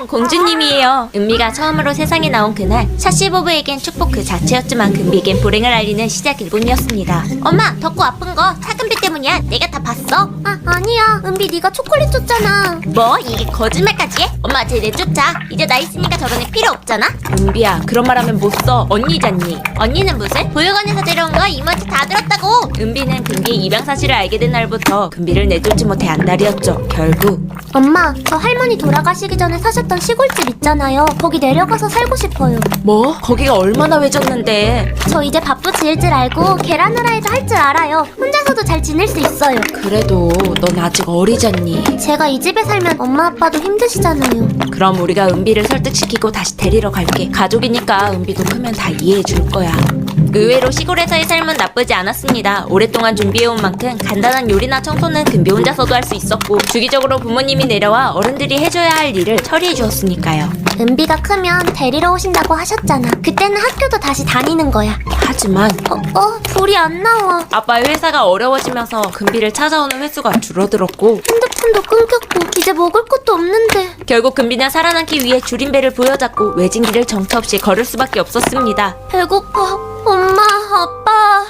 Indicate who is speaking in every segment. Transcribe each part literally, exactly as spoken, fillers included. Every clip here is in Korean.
Speaker 1: 안녕, 공주님이에요. 은비가 처음으로 세상에 나온 그날, 샤시보브에겐 축복 그 자체였지만 금비에겐 불행을 알리는 시작 일본이었습니다. 엄마, 덥고 아픈 거 차금비 때문이야. 내가 다 봤어.
Speaker 2: 아, 아니야. 은비 네가 초콜릿 줬잖아.
Speaker 1: 뭐? 이게 거짓말까지 해? 엄마, 쟤 내쫓아. 이제 나 있으니까 저런 애 필요 없잖아. 은비야, 그런 말 하면 못 써. 언니잖니. 언니는 무슨? 보육원에서 데려온 거 이모한테 다 들었다고. 은비는 금비의 입양 사실을 알게 된 날부터 금비를 내쫓지 못해 안달이었죠. 결국
Speaker 2: 엄마, 저 할머니 돌아가시기 전에 사셨던 시골집 있잖아요. 거기 내려가서 살고 싶어요.
Speaker 1: 뭐? 거기가 얼마나 외졌는데.
Speaker 2: 저 이제 밥도 지을 줄 알고 계란 후라이도 할 줄 알아요. 혼자서도 잘 지낼 수 있어요.
Speaker 1: 그래도 넌 아직 어리잖니.
Speaker 2: 제가 이 집에 살면 엄마 아빠도 힘드시잖아요.
Speaker 1: 그럼 우리가 은비를 설득시키고 다시 데리러 갈게. 가족이니까 은비도 크면 다 이해해 줄 거야. 의외로 시골에서의 삶은 나쁘지 않았습니다. 오랫동안 준비해온 만큼 간단한 요리나 청소는 금비 혼자서도 할 수 있었고, 주기적으로 부모님이 내려와 어른들이 해줘야 할 일을 처리해 주었으니까요.
Speaker 2: 은비가 크면 데리러 오신다고 하셨잖아. 그때는 학교도 다시 다니는 거야.
Speaker 1: 하지만
Speaker 2: 어, 어, 불이 안 나와.
Speaker 1: 아빠의 회사가 어려워지면서 금비를 찾아오는 횟수가 줄어들었고,
Speaker 2: 핸드폰도 끊겼고 이제 먹을 것도 없는데.
Speaker 1: 결국 금비는 살아남기 위해 줄임배를 부여잡고 외진 길을 정처 없이 걸을 수밖에 없었습니다.
Speaker 2: 배고파. 엄마, 아빠.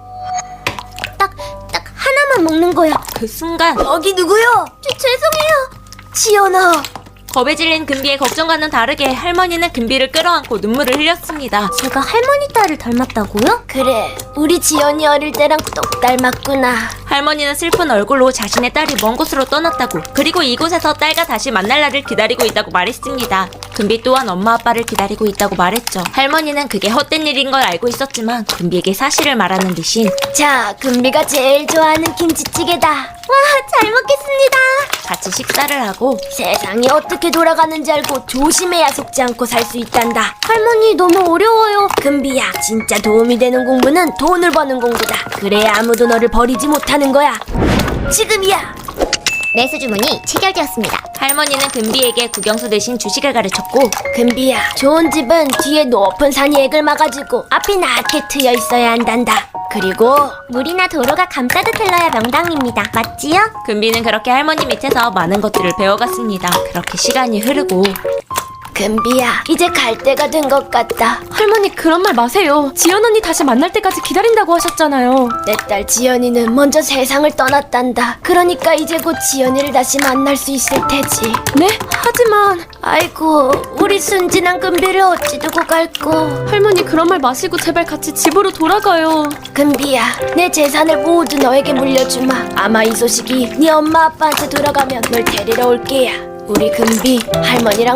Speaker 2: 딱, 딱 하나만 먹는 거야.
Speaker 1: 그 순간
Speaker 2: 여기 누구요? 저, 죄송해요. 지연아.
Speaker 1: 겁에 질린 금비의 걱정과는 다르게 할머니는 금비를 끌어안고 눈물을 흘렸습니다.
Speaker 2: 제가 할머니 딸을 닮았다고요? 그래, 우리 지연이 어릴 때랑 똑 닮았구나.
Speaker 1: 할머니는 슬픈 얼굴로 자신의 딸이 먼 곳으로 떠났다고, 그리고 이곳에서 딸과 다시 만날 날을 기다리고 있다고 말했습니다. 금비 또한 엄마 아빠를 기다리고 있다고 말했죠. 할머니는 그게 헛된 일인 걸 알고 있었지만 금비에게 사실을 말하는 대신,
Speaker 2: 자, 금비가 제일 좋아하는 김치찌개다. 와, 잘 먹겠습니다.
Speaker 1: 같이 식사를 하고,
Speaker 2: 세상이 어떻게 돌아가는지 알고 조심해야 속지 않고 살 수 있단다. 할머니 너무 어려워요. 금비야, 진짜 도움이 되는 공부는 돈을 버는 공부다. 그래야 아무도 너를 버리지 못하는 거야. 지금이야. 매수 주문이 체결되었습니다.
Speaker 1: 할머니는 금비에게 국영수 대신 주식을 가르쳤고,
Speaker 2: 금비야, 좋은 집은 뒤에 높은 산이 액을 막아주고 앞이 낮게 트여 있어야 한단다. 그리고 물이나 도로가 감싸듯 흘러야 명당입니다. 맞지요?
Speaker 1: 금비는 그렇게 할머니 밑에서 많은 것들을 배워갔습니다. 그렇게 시간이 흐르고,
Speaker 2: 금비야, 이제 갈 때가 된 것 같다.
Speaker 3: 할머니 그런 말 마세요. 지연 언니 다시 만날 때까지 기다린다고 하셨잖아요.
Speaker 2: 내 딸 지연이는 먼저 세상을 떠났단다. 그러니까 이제 곧 지연이를 다시 만날 수 있을 테지.
Speaker 3: 네? 하지만
Speaker 2: 아이고, 우리 순진한 금비를 어찌 두고 갈꼬.
Speaker 3: 할머니 그런 말 마시고 제발 같이 집으로 돌아가요.
Speaker 2: 금비야, 내 재산을 모두 너에게 물려주마. 아마 이 소식이 네 엄마 아빠한테 돌아가면 널 데리러 올 게야. 우리 금비 할머니랑